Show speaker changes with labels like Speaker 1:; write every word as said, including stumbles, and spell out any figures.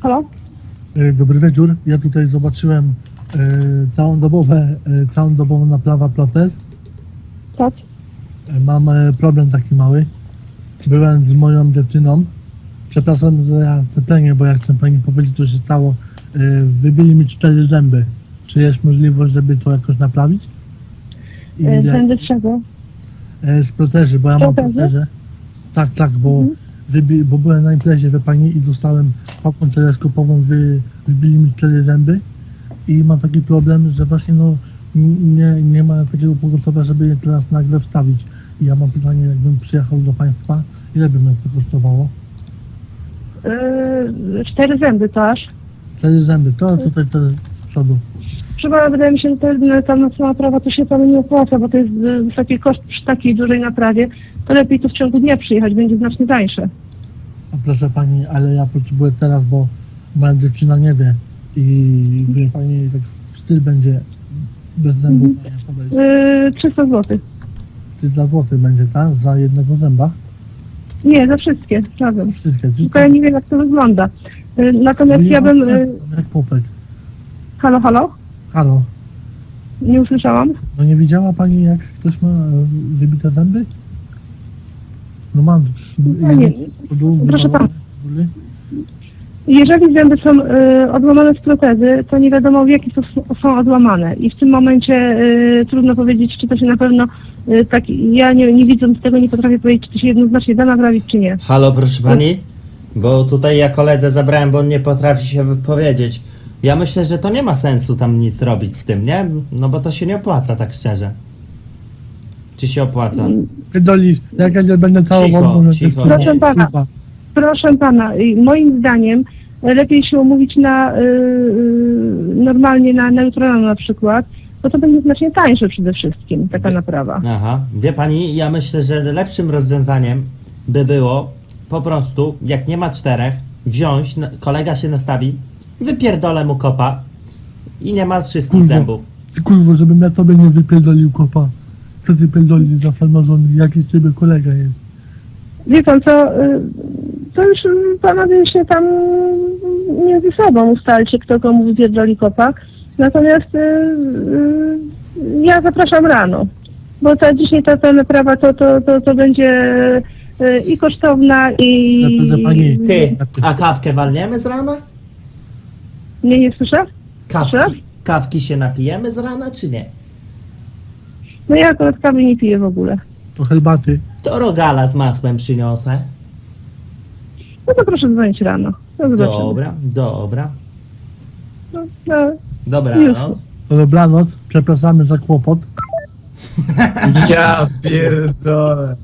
Speaker 1: halo?
Speaker 2: E, Dobry wieczór. Ja tutaj zobaczyłem e, całodobowe, e, całodobową naprawę protez.
Speaker 1: Tak?
Speaker 2: E, mam e, problem taki mały. Byłem z moją dziewczyną. Przepraszam, że ja ceplenie, bo ja chcę pani powiedzieć, co się stało. E, wybili mi cztery zęby. Czy jest możliwość, żeby to jakoś naprawić? I
Speaker 1: E,
Speaker 2: ile-
Speaker 1: Tędy z czego?
Speaker 2: e, z protezy, bo ja mam
Speaker 1: Protezy?
Speaker 2: protezę. Tak, tak, bo,
Speaker 1: Mhm.
Speaker 2: wybi, bo byłem na imprezie, wie pani, i dostałem pałką teleskopową, wy, wybili mi cztery zęby i mam taki problem, że właśnie no n- nie, nie ma takiego pogotowia, żeby je teraz nagle wstawić. I ja mam pytanie, jakbym przyjechał do państwa, ile by mnie to kosztowało?
Speaker 1: Yy, cztery zęby to aż.
Speaker 2: Cztery zęby, to tutaj te z przodu.
Speaker 1: Chyba wydaje mi się, że to jest, ta nocna naprawa to się panu nie opłaca, bo to jest y, wysoki koszt przy takiej dużej naprawie. To lepiej tu w ciągu dnia przyjechać, będzie znacznie tańsze.
Speaker 2: A proszę pani, ale ja potrzebuję teraz, bo moja dziewczyna nie wie i wie pani, tak w styl będzie bez zębów,
Speaker 1: Mhm.
Speaker 2: nie podejść.
Speaker 1: Yy, trzysta złotych.
Speaker 2: trzysta złotych będzie, tak? Za jednego zęba?
Speaker 1: Nie, za wszystkie, razem.
Speaker 2: Wszystkie.
Speaker 1: Tylko ja nie wiem, jak to wygląda. Yy, natomiast ja bym... Yy,
Speaker 2: Jak popek.
Speaker 1: halo, halo?
Speaker 2: Halo.
Speaker 1: Nie usłyszałam?
Speaker 2: No nie widziała pani, jak ktoś ma e, wybite zęby? No mam.
Speaker 1: No nie.
Speaker 2: z przodu,
Speaker 1: Proszę
Speaker 2: wywalone z góry.
Speaker 1: Jeżeli zęby są y, odłamane z protezy, to nie wiadomo w jaki sposób są odłamane. I w tym momencie y, trudno powiedzieć, czy to się na pewno y, tak, ja nie, nie widząc tego nie potrafię powiedzieć, czy to się jednoznacznie da naprawić, czy nie.
Speaker 3: Halo, proszę pani? Bo tutaj ja koledze zabrałem, bo on nie potrafi się wypowiedzieć. Ja myślę, że to nie ma sensu tam nic robić z tym, nie? No bo to się nie opłaca, tak szczerze. Czy się opłaca?
Speaker 2: Pierdolisz, jak ja nie będę całował
Speaker 3: Cicho,
Speaker 2: moją
Speaker 3: cicho,
Speaker 2: dziewczynę.
Speaker 3: nie.
Speaker 1: Proszę pana,
Speaker 2: Kurwa.
Speaker 1: proszę pana, y, moim zdaniem y, lepiej się umówić na y, y, normalnie na, na jutro rano na przykład, bo to będzie znacznie tańsze przede wszystkim, taka
Speaker 3: Wie-
Speaker 1: naprawa.
Speaker 3: Aha. Wie pani, ja myślę, że lepszym rozwiązaniem by było po prostu, jak nie ma czterech, wziąć, na- kolega się nastawi, wypierdolę mu kopa i nie ma wszystkich
Speaker 2: Kurwa.
Speaker 3: zębów.
Speaker 2: Ty kurwo, żebym ja tobie nie wypierdolił kopa. Co ty pierdolisz za farmazony? Jaki z ciebie kolega jest?
Speaker 1: Wie pan co, y, to już y, panowie się tam między sobą ustalcie, kto komu wypierdoli kopa. Natomiast y, y, ja zapraszam rano, bo ta dzisiaj ta, ta naprawa to, to, to, to będzie y, i kosztowna i...
Speaker 2: Proszę pani,
Speaker 3: Ty, a kawkę walniemy z rana?
Speaker 1: Nie, nie słyszę? Proszę?
Speaker 3: Kawki, kawki się napijemy z rana, czy nie?
Speaker 1: No ja akurat kawy nie piję w ogóle.
Speaker 2: To herbaty.
Speaker 3: To rogala z masłem przyniosę.
Speaker 1: No to proszę dzwonić rano. No zobaczymy.
Speaker 3: Dobra, dobra.
Speaker 1: No, no.
Speaker 3: Dobranoc.
Speaker 2: Dobranoc, przepraszamy za kłopot.
Speaker 4: Ja pierdolę.